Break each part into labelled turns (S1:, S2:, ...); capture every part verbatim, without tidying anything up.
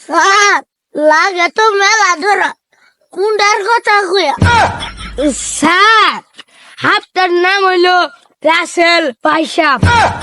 S1: Sir লাগে তো মেলা ধরা কুন্ডার কথা কইয়া স্যার হাফটার নাম হইলো রাসেল পাইসাব।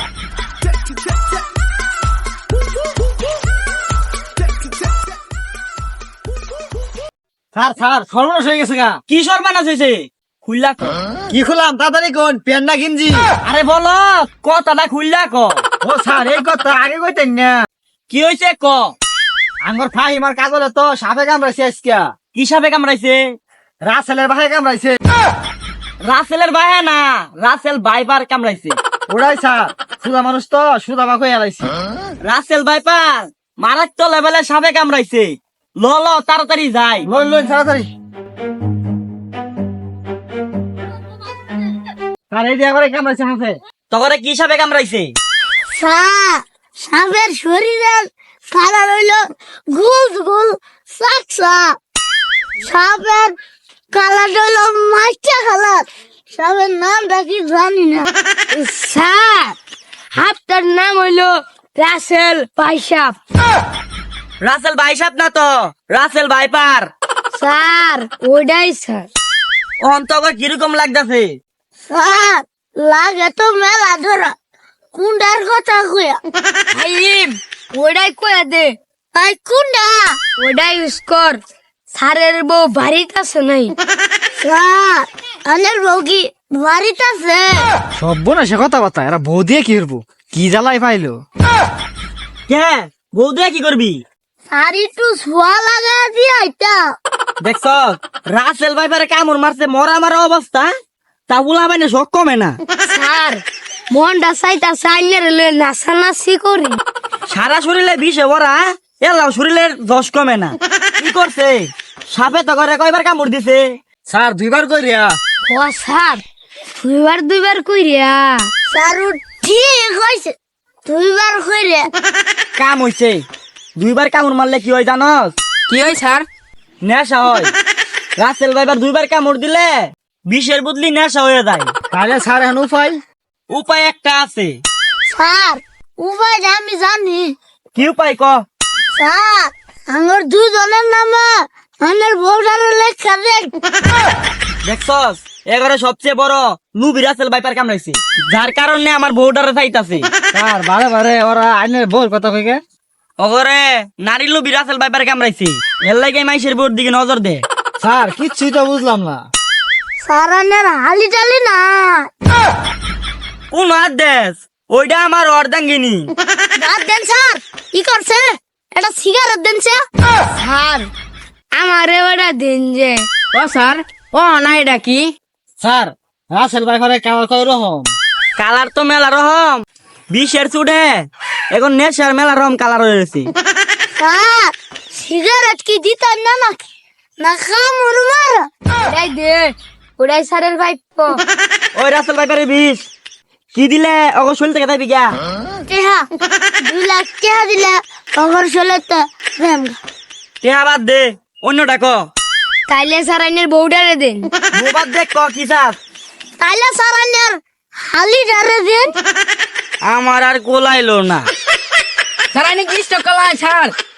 S2: স্যার স্যার সর্বনাশ হয়ে গেছে গা।
S3: কি সর্বনাশ হয়েছে? খুললা ক।
S2: কি খুলাম তাড়াতাড়ি কোন প্যান্ট না গিঞ্জি?
S3: আরে বলো কথাটা খুললা ক।
S2: ও স্যার এই কথা আগে কইতেন না।
S3: কি হয়েছে ক।
S2: আঙ্গর ফাহিমার কাজলে তো সাপে কামড়াইছে আজকে।
S3: কি সাপে কামড়াইছে?
S2: রাসেলের ভাই কামড়াইছে।
S3: রাসেলের ভাই না, রাসেল বাইপার কামড়াইছে।
S2: ওরাই স্যার সুদা মানুষ তো সুদা মাকে এলাইছে।
S3: রাসেল বাইপার মারাত্মক লেভেলের সাপে কামড়াইছে। ল ল তাড়াতাড়ি যাই।
S2: লইন লইন তাড়াতাড়ি। স্যার এই দিয়ে একবারে কামড়াইছে হাতে।
S3: তখন কি সাপে কামড়াইছে?
S1: স্যার সাপের শরীরের কালার হইল গোল গোল সাকসা। সাপের কালার হইল মাইকা কালার। সাপের নামটা কি জানি না স্যার। হাফটার নাম হইল রাসেল পাইসাব।
S3: রাসেল বাইসাপ না তো, রাসেল বাইপার।
S1: স্যার ওইটাই স্যার।
S3: অন্তর কিরকম লাগতেছে?
S1: স্যার লাগে তো মেলা ধরা কুন্ডার কথা কইয়া হাইম ওইটাই কইয়া দে। তাই কুন্ডা ওইটাই ইউজ কর। স্যারের বউ বাড়িতে আছে নাই? স্যার আনের বউ কি বাড়িতে আছে?
S2: সব না সে কথা বার্তা এরা বউ দিয়ে কি করবো? কি জ্বালাই পাইলো?
S3: কে বউ দিয়ে কি করবি?
S1: স্যার একটু শোয়া লাগা দিয়ে আইতা।
S3: দেখছ রাসেল বাইপারে কামড় মারছে, মরা মারা অবস্থা। তা বুলা মানে শখ কমে না।
S1: স্যার মনটা চাইতা চাইনের নাচানাচি করি।
S3: সারা শরীরে বিষে ভরা, এলাও শরীরের দশ কমে না। কি করছে? সাপে তো করে কয়বার কামড় দিছে?
S2: স্যার দুইবার কইরা।
S1: ও স্যার দুইবার দুইবার কইরা। স্যার ও ঠিক হইছে দুইবার কইরা।
S3: কাম হইছে। দুইবার কামড় মারলে কি হয় জানস?
S4: কি হয় স্যার?
S3: নেশা হয়। রাসেল বাইবার দুইবার কামড় দিলে বিষের বদলি নেশা হয়ে যায়।
S2: তাহলে স্যার এখন উপায়?
S3: উপায় একটা আছে।
S1: স্যার উপায় আমি জানি।
S3: কি উপায় ক।
S1: স্যার আমার দুজনের নামে আমার বউটারে লেখা দেন।
S3: দেখছস এগারে সবচেয়ে বড় লুবি রাসেল বাইপার কামড়াইছে, যার কারণে আমার বউটারে চাইতাছে।
S2: স্যার বারে বারে ওরা আইনের বউর কথা কইকে।
S3: ওগরে নারী লুবি রাসেল বাইপার কামড়াইছে, এর লাগে মাইশের বউর দিকে নজর দে।
S2: স্যার কিচ্ছুই তো বুঝলাম না।
S1: স্যার আনের হালি টালি না।
S3: কোন হাত দেশ? ওইটা আমার অর্ধাঙ্গিনী।
S1: বাদ দেন স্যার। কি করছে? এটা সিগারেট দেন স্যার। আমারে ওটা দিন যে।
S4: ও স্যার ও না এটা কি?
S2: স্যার রাসেল ভাই ঘরে কামার কয় রকম?
S3: কালার তো মেলা রকম, বিষের চুটে এখন নেশার মেলা রকম কালার হয়েছে।
S1: স্যার সিগারেট কি দিতেন না নাকি? না খামুর মারা? ওটাই দে ওটাই স্যারের ভাইপ।
S3: ওই রাসেল বাইপারের বিষ কি দিলে অগর শরীর থেকে যাবি গা?
S1: টেহা দুই লাখ টেহা দিলে খবর চলে তো প্রেম।
S3: টেহা বাদ দে, অন্যটা ক।
S1: তাইলে স্যার আইনের বউডারে দেন।
S3: বউ বাদ দে, ক কি চাস?
S1: তাইলে স্যার আইনের হালি ডারে দেন।
S3: আমার আর কোলাইলো না।
S4: স্যার আইনি কি স্টক কলা স্যার?